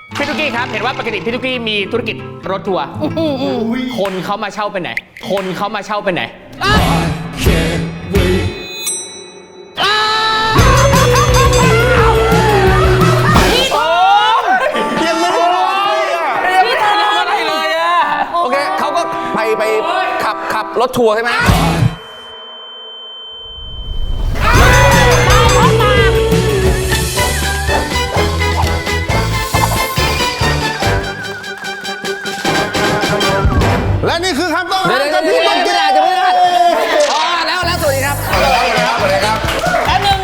พี่ตุ๊กกี้ครับเห็นว่าปกติพี่ตุ๊กกี้มีธุรกิจรถทัวร์คนเขามาเช่าไปไหนคนเขามาเช่าไปไหนโอเคเขาก็ไปขับรถทัวร์ใช่ไหมและนี่คือคำต้องเดี๋ยวพี่ต้องกินอะไรจะไม่ได้อ๋อแล้วสวัสดีครับสวัสดีครับแป๊บนึง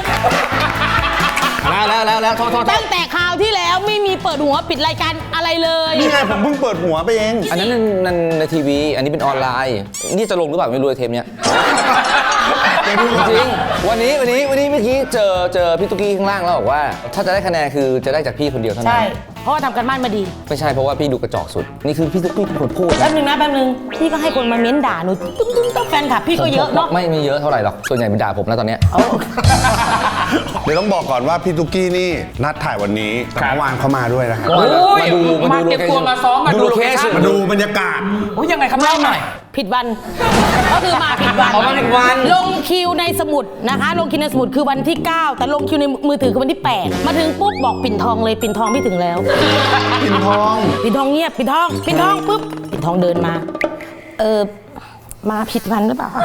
แล้วโทษตั้งแต่คราวที่แล้วไม่มีเปิดหัวปิดรายการอะไรเลยนี่ไงผมเพิ่งเปิดหัวไปเองอันนั้นในทีวีอันนี้เป็นออนไลน์นี่จะลงหรือเปล่าไม่รู้เทปเนี้ยจริงวันนี้เมื่อกี้เจอพี่ตุ๊กกี้ข้างล่างแล้วบอกว่าถ้าจะได้คะแนนคือจะได้จากพี่คนเดียวเท่านั้นใช่เพราะว่าทำกันบ้านมาดีไม่ใช่เพราะว่าพี่ดูกระจอกสุดนี่คือพี่ตุ๊กกี้เป็นคนพูดแป๊บนึงพี่ก็ให้คนมาเม้นด่าหนูตุ้มแฟนคลับพี่ก็เยอะเนาะไม่เยอะเท่าไหร่หรอกส่วนใหญ่เป็นด่าผมแล้วตอนเนี้ยเดี๋ยวต้องบอกก่อนว่าพี่ตุ๊กกี้นี่นัดถ่ายวันนี้แต่เมื่อวานเขามาด้วยนะครับมาเก็บตัวมาซ้อมมาดูโลเคชั่นมาดูบรรยากาศโอ้ยยังไงครับเล่าหน่อยผิดวัน ก็คือมาผิดวันมาผิดวันลงคิวในสมุดนะคะลงคิวในสมุดคือวันที่ 9 แต่ลงคิวในมือถือคือวันที่ 8 มาถึงปุ๊บบอกปิ่นทองเลยปิ่นทองไม่ถึงแล้วปิ่นทองปิ่นทองเงียบปิ่นทองปุ๊บปิ่นทองเดินมามาผิดวันหรือเปล่า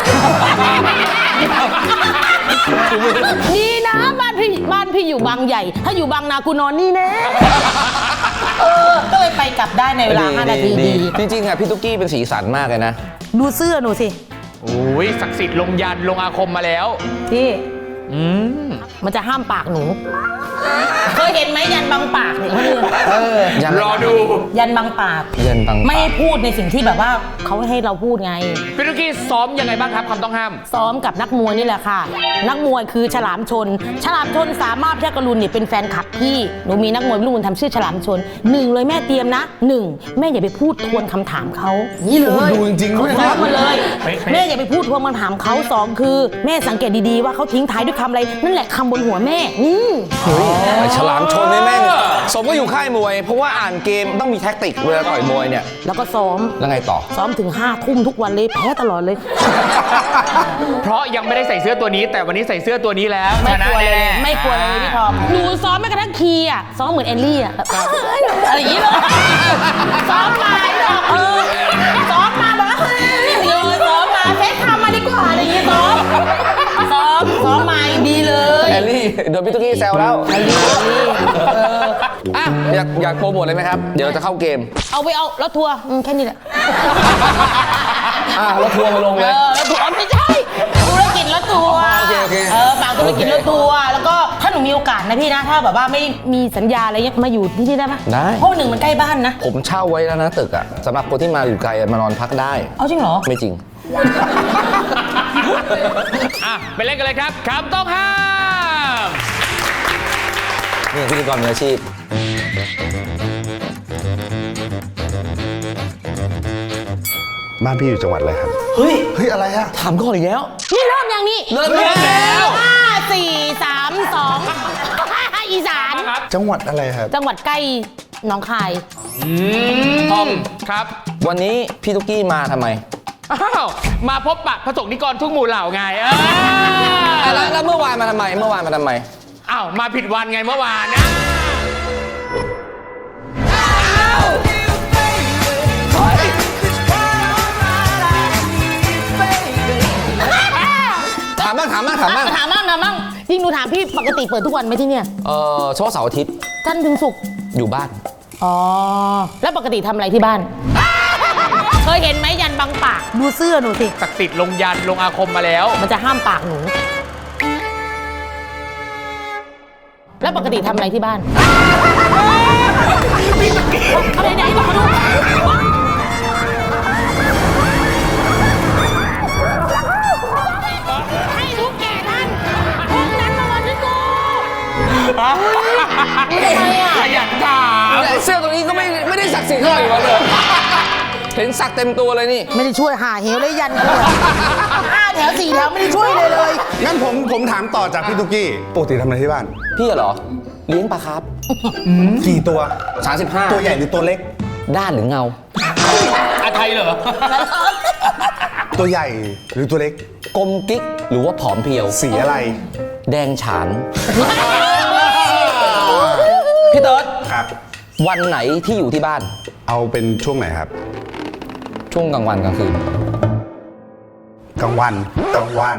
ดีนะบ้านพี่อยู่บางใหญ่ ถ้าอยู่บางนากูนอนนี่แน่ก็เลยไปกลับได้ในเวลา 5 นาทีดีจริงๆอ่ะพี่ตุ๊กกี้เป็นสีสันมากเลยนะดูเสื้อหนูสิโอ้ยศักดิ์สิทธิ์ลงยันลงอาคมมาแล้วพี่มันจะห้ามปากหนู เคยเห็นไหมยันบังปากเนี่ยเขาเรียกรอดูยันบังปากยันบังปากไม่ให้พูดในสิ่งที่แบบว่าเขาให้เราพูดไงพี่ตุ๊กกี้ซ้อมยังไงบ้างครับคำต้องห้ามซ้อมกับนักมวยนี่แหละค่ะ นักมวยคือฉลามชน ฉลามชนสามารถแพทย์กรุณเนี่ยเป็นแฟนคลับพี่ หนูมีนักมวยลูกบุญทำชื่อฉลามชน 1 เลยแม่เตรียมนะ 1 แม่อย่าไปพูดทวนคำถามเขานี่เลยดูจริงๆด้วยซ้อมมาเลยเป๊ะๆแม่อย่าไปพูดทวนคำถามเขา2 คือแม่สังเกตดีๆว่าเขาทิ้งท้ายด้วยคำอะไร นั่นแหละคำบนหัวแม่นี่ไอ้ฉลามชนนี่แม่งสมก็อยู่ค่ายมวย เพราะว่าอ่านเกมต้องมีแท็กติกเวลาต่อยมวยเนี่ยแล้วก็ซ้อมแล้วไงต่อซ้อมถึง5 ทุ่มทุกวันเลยแพ้ตลอดเลยเพราะยังไม่ได้ใส่เสื้อตัวนี้ แต่วันนี้ใส่เสื้อตัวนี้แล้วชไม่นะกลัวเลยแน่ๆไม่กลัวเลยพี่ทอมหนูซ้อมแม้กระทั่งคีย์อะซ้อมเหมือนแอลลี่อะอะไรอย่างงี้เลยซ้อมมาซ้อมมาแบบว่าซ้อมมาเฟซทำมาดีกว่าอะไรอย่างงี้ซ้อมมาดีเลยแอลลี่โดนพี่ตุ๊กกี้แซวแล้วอ่ะอยากโปรโมทเลยไหมครับ เดี๋ยวเราจะเข้าเกมเอารถทัวร์แค่นี้แหละรถทัวร์มาลงเลยรถทัวร์ไม่ใช่ธุรกิจรถทัวร์โอเคฝากธุรกิจรถทัวร์แล้วก็ถ้าหนูมีโอกาสนะพี่นะถ้าแบบว่าไม่มีสัญญาอะไรเงี้ยมาอยู่ที่นี่ได้ไหมได้เพราะหนึ่งมันใกล้บ้านนะผมเช่าไว้แล้วนะตึกอ่ะสำหรับคนที่มาอยู่ไกลมานอนพักได้เอาจริงเหรอไม่จริงอ่ะไปเล่นกันเลยครับคำต้องห้ามนี่พิธีกรมืออาชีพบ้านพี่อยู่จังหวัดอะไรครับเฮ้ยอะไรอะถามก่อนอีกแล้วนี่เริ่มยังนี่เริ่มแล้ว 5 4 3 2 อีสานจังหวัดอะไรครับจังหวัดใกล้หนองคายทอมครับวันนี้พี่ตุ๊กกี้มาทำไมอ้าวมาพบปะพระสงฆ์นิกรทุกหมู่เหล่าไงแล้วเมื่อวานมาทำไมอ้าวมาผิดวันไงเมื่อวานนะถามบ้างถามบ้างจริงหนูถามพี่ปกติเปิดทุกวันไหมที่เนี่ยเฉพาะเสาร์อาทิตย์จันทร์ถึงศุกร์อยู่บ้านอ๋อแล้วปกติทำอะไรที่บ้าน เคยเห็นไหมยันบังปากดูเสื้อหนูสิศักดิ์สิทธิ์ลงยันลงอาคมมาแล้วมันจะห้ามปากหนู แล้วปกติทำอะไรที่บ้านอะไรไหนบอกเขาดูให้ทุกแก่ท่านพวกนั้นมาวันที่กูขยันถามเสื้อตัวนี้ก็ไม่ได้ศักดิ์สิทธิ์เท่าไหร่เลย เห็นสักเต็มตัวเลยนี่ไม่ได้ช่วยหาเหวเลยยันกันเลย5 แถว 4 แถวไม่ได้ช่วยเลยงั้นผมถามต่อจากพี่ตุ๊กกี้ปกติทำอะไรที่บ้านพี่เหรอเลี้ยงปลาคาร์ฟกี่ตัว 35 ตัวใหญ่หรือตัวเล็กด้านหรือเงาอาไทยเหรอตัวใหญ่หรือตัวเล็กกลมกิ๊กหรือว่าผอมเพรียวสีอะไรแดงฉาน พี่เติร์ดครับวันไหนที่อยู่ที่บ้านเอาเป็นช่วงไหนครับช่วงกลางวันกลางคืนกลางวันกลางวัน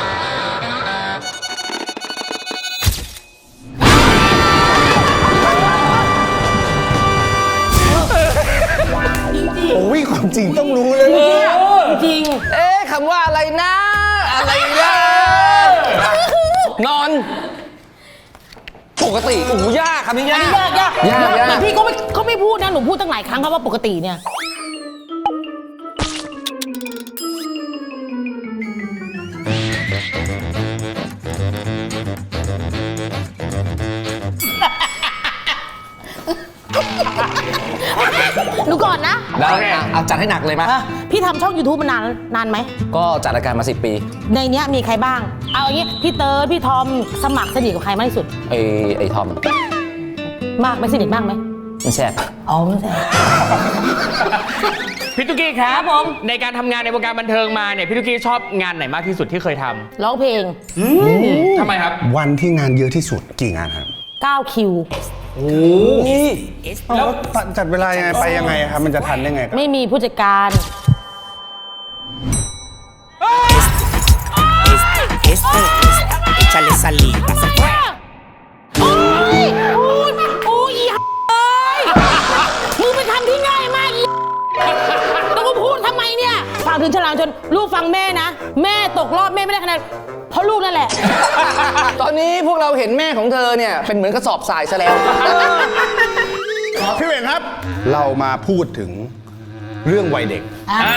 โอ้ยความจริงต้องรู้เลยจริงเอ๊ะคำว่าอะไรนะ อะไรนะนอน ปกติโอ้โหยากคำนี้ยากยากยากยากยากแต่พี่ก็ไม่พูดนะ หนูพูดตั้งหลายครั้งครับว่าปกติเนี่ย ดูก่อนนะได้เอาจัดให้หนักเลยมั้ยพี่ทำช่อง YouTube มานานไหมก็จัดรายการมา10 ปีในเนี้ยมีใครบ้าง เอาอย่างงี้ พี่เติร์ดพี่ทอมสมัครสนิทกับใครมากที่สุดไอ้ทอมมากไหมสนิทมากไหมมันแซ่บอ๋อไม่ใช่พี่ตุ๊กกี้ครับผมในการทำงานในวงการบันเทิงมาเนี่ยพี่ตุ๊กกี้ชอบงานไหนมากที่สุดที่เคยทร้องเพลงำทำไมครับวันที่งานเยอะที่สุดกี่งานครับ 9 คิวแล้วจัดเวลายังไงไปยังไงครับ มันจะทันได้ไงครับไม่มีผู้จัดการ Échale saliva. โอ้ยโอ้ยโอ้ยอีเอ้ยมึงไปทำที่ง่ายมากอีแล้วก็พูดทำไมเนี่ยฝากถึงฉลามชนลูกฟังแม่นะ แม่ตกรอบแม่ไม่ได้คะแนนเพราะลูกนั่นแหละตอนนี้พวกเราเห็นแม่ของเธอเนี่ยเป็นเหมือนกระสอบทรายซะแล้วพี่เวงครับ เรามาพูดถึงเรื่องวัยเด็ก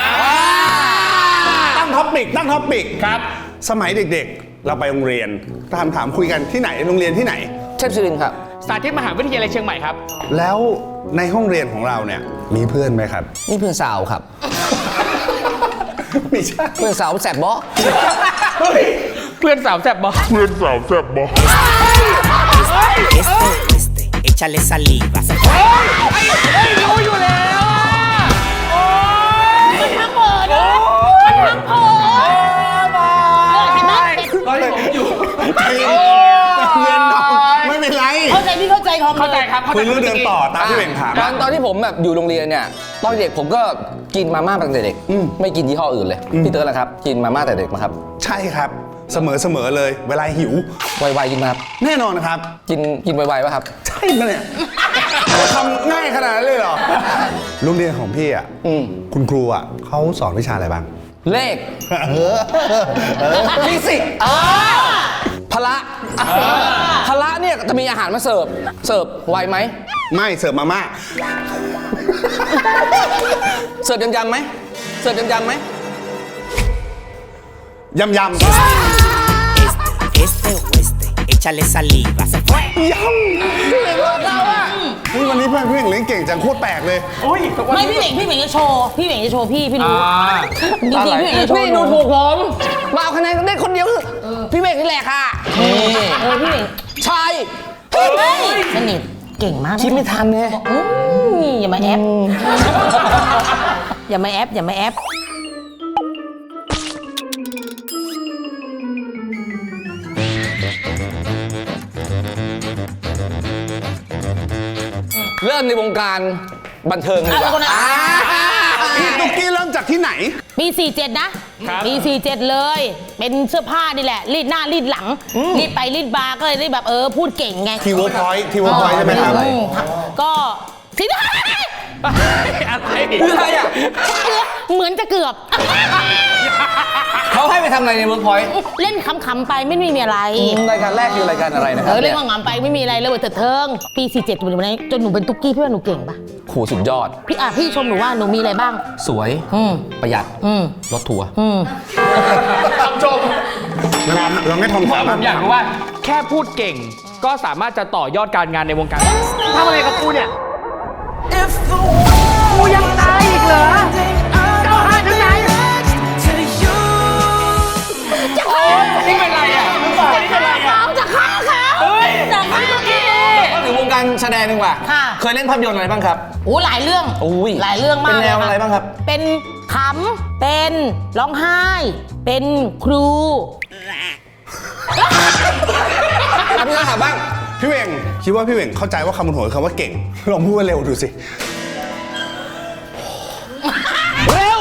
ตั้งท็อปิกครับสมัยเด็กๆ เราไปโรงเรียนถามคุยกันที่ไหนโรงเรียนที่ไหนเทพศิรินทร์ครับสาธิตมหาวิทยาลัยเชียงใหม่ครับแล้วในห้องเรียนของเราเนี่ยมีเพื่อนไหมครับนี่เพื่อนสาวครับไม่ใช่เพื่อนสาวแสบบ๊อเพื่อนสาวแซ่บบอก Échale saliva. รู้อยู่แล้วอะโอ้ยมันทั้งเปิดนะมันทั้งเปิดเห็นไหมตอนที่ผมอยู่เรียนน้องไม่เป็นไรเข้าใจพี่เข้าใจทอมเข้าใจลยครับคุยเรื่องเดินต่อตามพี่เวงถามตอนที่ผมแบบอยู่โรงเรียนเนี่ย ตอนเด็กผมก็กินมาม่าตั้งแต่เด็ก ไม่กินยี่ห้ออื่นเลย พี่เติร์ดล่ะครับ กินมาม่าแต่เด็กไหมครับใช่ครับ เสมอเลย เวลาหิวไวๆกินมาครับแน่นอนนะครับกินไวๆป่ะครับใช่ปะเนี่ยทำง่ายขนาดนั้นเลยเหรอ โรงเรียนของพี่อ่ะ คุณครูอ่ะเขาสอนวิชาอะไรบ้างเลขฟิสิกส์พละพละเนี่ยจะมีอาหารมาเสิร์ฟไวไหมไม่เสิร์ฟมาม่าเสิร์ฟยำๆไหมเสิร์ฟยำๆไหมยำ Este o este. Échale saliva. Se fue. ยำพี่เวงบอกเราอ่ะวันนี้เพื่อนพี่เวงเล่นเก่งจังโคตรแปลกเลยอุ้ยไม่พี่เหม่งจะโชว์พี่รู้จริงๆพี่เหม่งจะโชว์นี่ดูถูกผมมาเอาคะแนนได้คนเดียวคือพี่เมฆนี่แหละค่ะนี่พี่เหม่งใช่สนิทเก่งมากคิดไม่ทันไงอย่ามาแอปอย่ามาแอปเริ่มในวงการบันเทิงเลยดีกว่าพี่ตุ๊กกี้เริ่มจากที่ไหนปี 47 นะปี 47 เลย เป็นเสื้อผ้านี่แหละ รีดหน้ารีดหลัง รีดไปรีดบาก็เลยได้แบบพูดเก่งไงทีเวิร์คพอยต์ใช่ไหมครับก็สิได้อะไรคืออะไรอ่ะเหมือนจะเกือบเขาให้ไปทำอะไรในเวิร์กพอยต์เล่นขำๆไปไม่มีอะไรรายการแรกคือรายการอะไรนะครัเล่นขำๆไปไม่มีอะไรเลยเถิดเทิง ปี 47จนหนูเป็นตุ๊กกี้พี่ว่าหนูเก่งปะโหสุดยอดพี่ชมหนูว่าหนูมีอะไรบ้างสวย ประหยัด รถทัวร์คำชมเราไม่ทำผมอยากรู้ว่าแค่พูดเก่งก็สามารถจะต่อยอดการงานในวงการทำอะไรกับกูเนี่ยกูยังตายอีกเหรอเจ้าหาถึงไหนนี่เป็นไรอ่ะนี่เป็นไรอ่ะจะฆ่าเขาเฮ้ยจะฆ่าเขาแสดงดีกว่าค่ะเคยเล่นภาพยนตร์อะไรบ้างครับโอ้หลายเรื่องอุ้ยหลายเรื่องมากเป็นแนวลยอะไรบ้างครับเป็นขำเป็นร้องไห้ เป็นครูพี่ถามบ้างพี่เวงคิดว่าพี่เวงเข้าใจว่าคำบนหัวคือคำว่าเก่ง ลองพูดเร็วดูสิเร็ว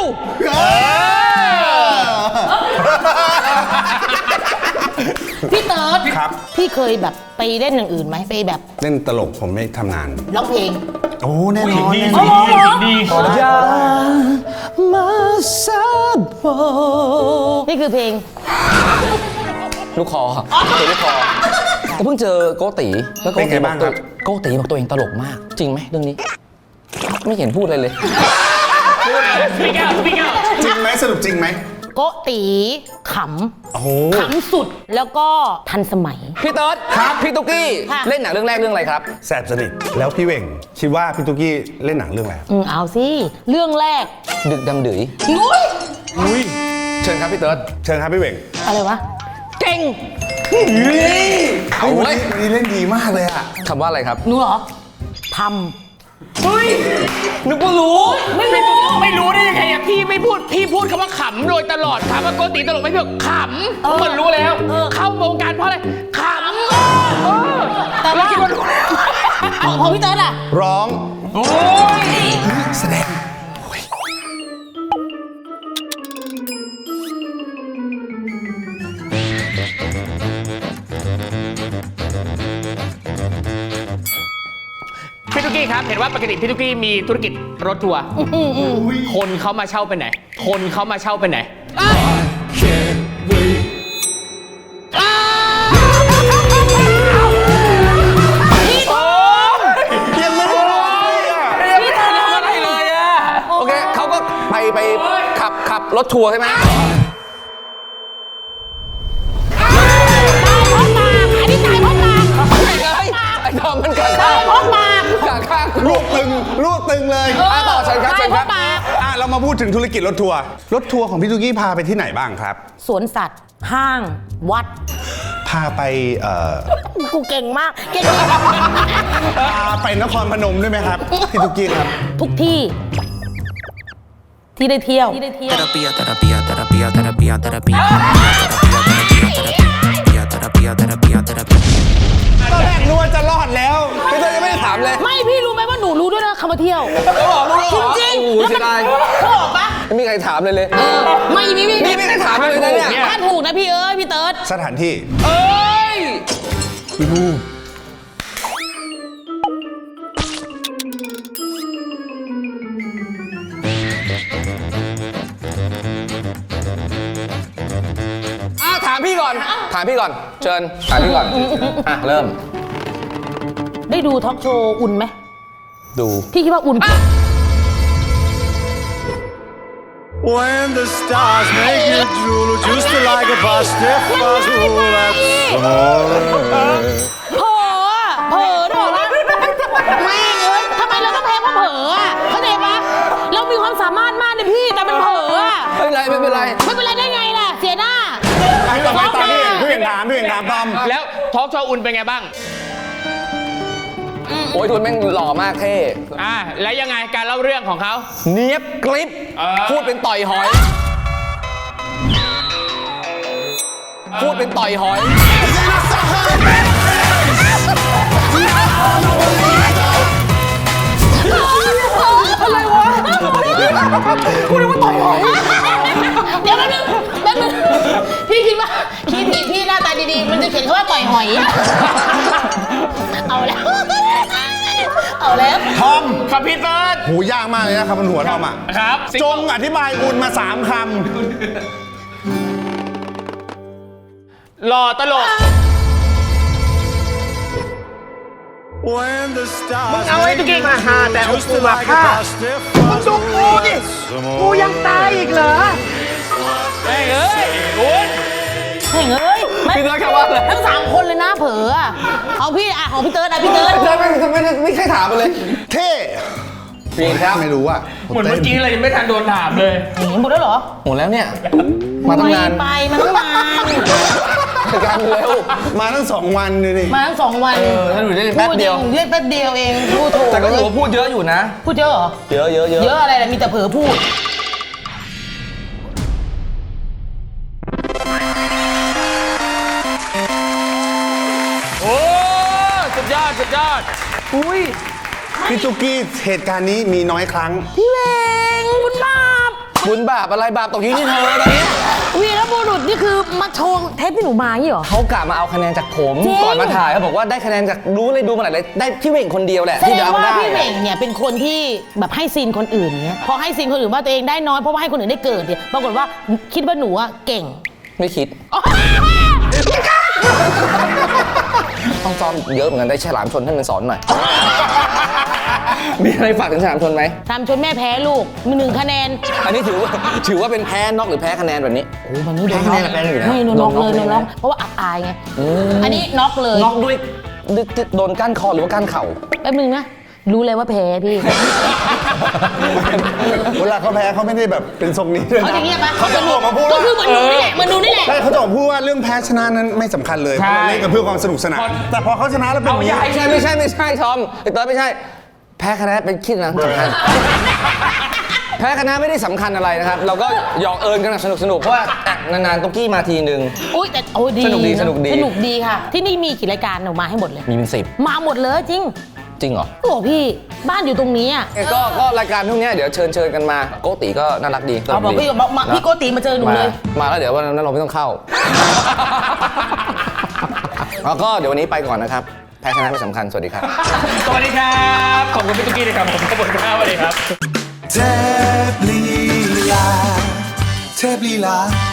พี่เติร์ดครับพี่เคยแบบไปเล่นอย่างอื่นไหมไปแบบเล่นตลกผมไม่ทำนานร้องเพลงโอ้แน่นอนแน่นดีอนดีอย่ามาซับโบนี่คือเพลงลูกคอลูกคอเพิ่งเจอโกติแล้วโกติบอกตัวโกติบอกตัวเองตลกมาก จริงไหมเรื่องนี้ ไม่เห็นพูดอะไรเลยสปีกเอาสปีกเอาจริงไหมสรุปจริงไหมโกตีขโอ้โหำขำสุดแล้วก็ทันสมัยพี่เติร์ดครับพี่ตุ๊กกี้ค่ะเล่นหนังเรื่องแรกเรื่องอะไรครับแสบสนิทแล้วพี่เวงคิดว่าพี่ตุ๊กกี้เล่นหนังเรื่องอะไรเอาสิ เรื่องแรกดึกดำดื๋ยนุ้ยเชิญครับพี่เติร์ดเชิญครับพี่เวงอะไรวะเก่งเอาวันนี้เล่นดีมากเลยอะคำว่าอะไรครับหนูเหรอทนึกว่ารู้ไม่รู้ได้ยังไงอะพี่ไม่พูดพี่พูดคำว่าขำโดยตลอดถามว่าโกติตลกไหมพี่บอกขำเหมือนรู้แล้ว เข้าวงการเพราะอะไรขำแต่ว่าคิดว่ารู้แล้วของพี่เติร์ดอะร้องโอ้ยแสดงพี่ตุ๊กกี้ครับ เห็นว่าปกติพี่ตุ๊กกี้มีธุรกิจรถทัวร์คนเขามาเช่าไปไหน คนเขามาเช่าไปไหนยังไม่ได้ร้องเลยอะพี่เติร์ดอะไรเลยอะโอเคเขาก็ไปขับรถทัวร์ใช่ไหมอันนี้ตายเพราะปากไม่เลยไอ้ทอมมันกัดตาข้าย งเพราะปากกัดข้างรูดตึงเลยต่อเชิญครับตาเชิยญเพครับราะปากเรามาพูดถึงธุรกิจรถทัวร์ รถทัวร์ของพี่ตุ๊กกี้พาไปที่ไหนบ้างครับสวนสัตว์ ห้าง วัดพาไปกูเก่งมาก เก่งพาไปนครพนมด้วยไหมครับ พี่ตุ๊กกี้ครับทุกที่ ที่ได้เที่ยว Terapia, terapia, terapia, terapia, terapia. Terapia, terapia, terapia, terapia. ตอนแรกนึกว่าจะรอดแล้วพี่เติร์ดยังไม่ได้ถามเลยไม่พี่รู้ไหมว่าหนูรู้ด้วยนะคำว่าเที่ยว จริงโอ้โหๆแล้วเสียดายเขาบอกปะไม่มีใครถามเลยไม่มีนี่ไม่ได้ถามเลยนะเนี่ยถ้าถูกนะพี่เอ้ยพี่เติร์ดสถานที่เอ้ยพี่ลูกถามพี่ก่อน ถามพี่ก่อน เชิญ ถามพี่ก่อน เริ่มได้ดูทอล์กโชว์อุ่นไหมดูพี่คิดว่าอุ่น When the stars make you drool, just like a pasta puzzle, that's all. เผลออะเผลอด้วยเหรอแม่งเอ้ยทำไมเราต้องแพ้เพราะเผลออะเข้าใจปะเรามีความสามารถมากเลยพี่แต่มันเผลออะไม่เป็นไร ไม่เป็นไรไม่เป็นไรได้ไงล่ะ เสียหน้าต่อไปตอนพี่เวงถามตอมแล้วทอล์กโชว์อุ่นเป็นไงบ้างโอ้ยทุนแม่งหล่อมากเท่แล้วยังไงการเล่าเรื่องของเขาเนียบกริบ พูดเป็นต่อยหอย พูดเป็นต่อยหอยอะไรวะกูนึกว่าต่อยหอยเดี๋ยวแป๊บนึงพี่คิดว่าคีย์ผิดพี่หน้าตาดีๆ มันจะเขียนคำว่าต่อยหอย เอาแล้ว เอาแล้วทอมครับพี่เติร์ดหูยากมากเลยนะครับบนหัวทอมอ่ะครับจงอธิบายอุ่นมา3 คหล่อตลก When the stars มึงเอาไอ้ตุ๊กกี้มาหาแต่เอา just กูมา like a ฆ่า pasta puzzle, that's all. กูยังตายอีกเหรอเฮ้ยเอ้ยคุณเฮ้ยเอ้ยไม่พี่เติร์ดคำว่าอะไรทั้ง3 คนเลยนะเผลออะของพี่อะของพี่เติร์ดอะพี่เติร์ดไม่ใช่ถามมาเลยำเท่ผิดครับไม่รู้อ่ะเหมือนเมื่อกี้เลยยังไม่ทันโดนถามเลยอย่างนี้หมดแล้วเหรอหมดแล้วเนี่ย มาตั้งนานไปมาตั้งนานรายการเร็วมาตั้ง2 วันเลยนี่มาทั้ง2 วันถ้าหนูได้แป๊บเดียวพูจริงเล่นแป๊บเดียวเองพูดถูกแต่ก็ถือว่าพูดเยอะอยู่นะพูดเยอะเหรอเยอะเยอะเยอะเยอะอะไรล่ะมีแต่เผลอพูดโอ้สุดยอดสุดยอดอุ้ยพี่ตุ๊กกี้เหตุการณ์นี้มีน้อยครั้งพี่เวงคุณบาปบุญบาปอะไรบาปตกอยู่ที่เธอตอนนี้วีรบุรุษนี่คือมาโชว์เทปที่หนูมาอย่างนี้เหรอเขากะมาเอาคะแนนจากผมจริงก่อนมาถ่ายเขาบอกว่าได้คะแนนจากรู้เลยดูมาหลายเลยได้พี่เว่งคนเดียวแหละแสที่ดจะงเอาว่าได้พี่เวงเนี่ยเป็นคนที่แบบให้ซีนคนอื่นเนี่ยพอให้ซีนคนอื่นว่าตัวเองได้น้อยเพราะว่าให้คนอื่นได้เกิดเนี่ยปรากฏว่าคิดว่าหนูอะเก่งไม่คิดต้องซ้อมเยอะเหมือนกันได้ฉลามชนให้มันสอนหน่อย มีอะไรฝากถึงฉลามชนไหมทำจนแม่แพ้ลูกมี1 คะแนนอันนี้ถือว่าเป็นแพ้น็อกหรือแพ้คะแนนแบบนี้โอ้วันนี้โดนแพ้น็อกคะแนนอยู่นะไม่โดนน็อกโดนน็อกเลยโดนน็อกเลยนะเพราะว่าอับอายไงอันนี้น็อกเลยน็อกด้วยโดนก้านคอหรือว่าก้านเข่าแป๊บนึงนะรู้เลยว่าแพ้พี่เวลาเขาแพ้เขาไม่ได้แบบเป็นทรงนี้ด้วยเขานะจะเงียบไหมเขาจะออกมาพูดก็ว่าคือเหมือนหนูนี่แหละเหมือนหนูนี่แหละใช่เขาจะออกมาพูดว่าเรื่องแพ้ชนะนั้นไม่สำคัญเลยเพใช่ราะเราเล่นกันเพื่อความสนุกสนานแต่พอเขาชนะแล้วเป็นอย่างนี้ไม่ใช่ทอมไอ้เต๋อไม่ใช่ แพ้คะแนนเป็นคิดนะสำคัญแพ้คะแนนไม่ได้สำคัญอะไรนะครับ เราก็หยอกเอิญกันสนุกเพราะว่านานๆตุ๊กกี้มาทีนึงอุ้ยแต่โอ้ยดีสนุกดีะสนุกดีสนุกดีค่ะ ที่นี่มีกี่รายการหนูมาให้หมดเลยมีเป็นสิบมาหมดเลยจริงจริงเหรอโอ้พี่บ้านอยู่ตรงนี้อ่ะก็รายการพวกเนี้ยเดี๋ยวเชิญกันมาโกติก็น่ารักดีเอาบอกพี่บอกมาพี่โกติมาเจอหนูเลยมาแล้วเดี๋ยววันนั้นเราไม่ต้องเข้า แล้วก็เดี๋ยววันนี้ไปก่อนนะครับแพ้ชนะไม่สำคัญสวัสดีครับสวัสดีครับ ขอบคุณพี่ตุ๊กกี้นะครับผมขอบคุณครับสวัสดีครับเทพลีลาเทพลีลา